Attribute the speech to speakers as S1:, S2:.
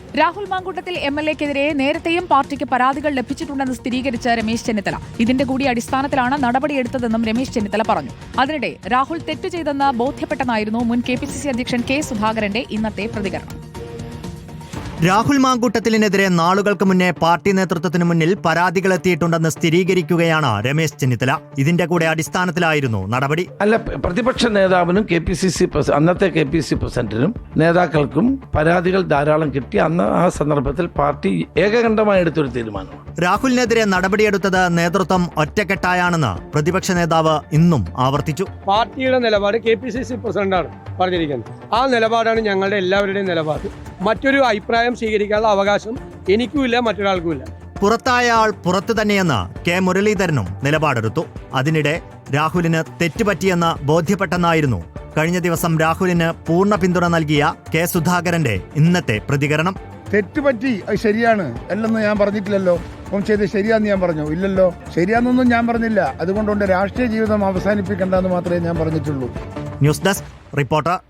S1: രാഹുൽ മാങ്കൂട്ടത്തിൽ MLA-ക്കെതിരെ നേരത്തെയും പാർട്ടിക്ക് പരാതികൾ ലഭിച്ചിട്ടുണ്ടെന്ന് സ്ഥിരീകരിച്ച രമേശ് ചെന്നിത്തല ഇതിന്റെ കൂടി അടിസ്ഥാനത്തിലാണ് നടപടിയെടുത്തതെന്നും രമേശ് ചെന്നിത്തല പറഞ്ഞു. അതിനിടെ രാഹുൽ തെറ്റ് ചെയ്തെന്ന് ബോധ്യപ്പെട്ടെന്നായിരുന്നു മുൻ KPCC അധ്യക്ഷൻ K. സുധാകരന്റെ ഇന്നത്തെ പ്രതികരണം.
S2: രാഹുൽ മാങ്കൂട്ടത്തിലിനെതിരെ നാളുകൾക്ക് മുന്നേ പാർട്ടി നേതൃത്വത്തിന് മുന്നിൽ പരാതികൾ എത്തിയിട്ടുണ്ടെന്ന് സ്ഥിരീകരിക്കുകയാണ് രമേശ് ചെന്നിത്തല. ഇതിന്റെ കൂടെ അടിസ്ഥാനത്തിലായിരുന്നു നടപടി.
S3: അല്ല, പ്രതിപക്ഷ നേതാവിനും അന്നത്തെ KPCC പ്രസിഡന്റിനും നേതാക്കൾക്കും പരാതികൾ ധാരാളം കിട്ടി. അന്ന് ആ സന്ദർഭത്തിൽ പാർട്ടി ഏകകണ്ഠമായി എടുത്തൊരു തീരുമാനമാണ്.
S2: രാഹുലിനെതിരെ നടപടിയെടുത്തത് നേതൃത്വം ഒറ്റക്കെട്ടായാണെന്ന് പ്രതിപക്ഷ നേതാവ് ഇന്നും ആവർത്തിച്ചു.
S4: പാർട്ടിയുടെ നിലപാട് KPCC പ്രസിഡന്റാണ് പറഞ്ഞിരിക്കുന്നത്. ആ നിലപാടാണ് ഞങ്ങളുടെ എല്ലാവരുടെയും നിലപാട്. മറ്റൊരു അഭിപ്രായം സ്വീകരിക്കാനുള്ള അവകാശം എനിക്കുമില്ല, മറ്റൊരാൾക്കുമില്ല.
S2: പുറത്തായ ആൾ പുറത്തു തന്നെയെന്ന് K. മുരളീധരനും നിലപാടെടുത്തു. അതിനിടെ രാഹുലിന് തെറ്റുപറ്റിയെന്ന് ബോധ്യപ്പെട്ടെന്നായിരുന്നു കഴിഞ്ഞ ദിവസം രാഹുലിന് പൂർണ്ണ പിന്തുണ നൽകിയ K. സുധാകരന്റെ ഇന്നത്തെ പ്രതികരണം.
S5: തെറ്റുപറ്റി, അത് ശരിയാണ് അല്ലെന്ന് ഞാൻ പറഞ്ഞിട്ടില്ലല്ലോ. അപ്പം ചെയ്ത് ശരിയാന്ന് ഞാൻ പറഞ്ഞു? ഇല്ലല്ലോ, ശരിയാന്നൊന്നും ഞാൻ പറഞ്ഞില്ല. അതുകൊണ്ടുകൊണ്ട് രാഷ്ട്രീയ ജീവിതം അവസാനിപ്പിക്കേണ്ടെന്ന് മാത്രമേ ഞാൻ പറഞ്ഞിട്ടുള്ളൂ.
S2: News desk reporter.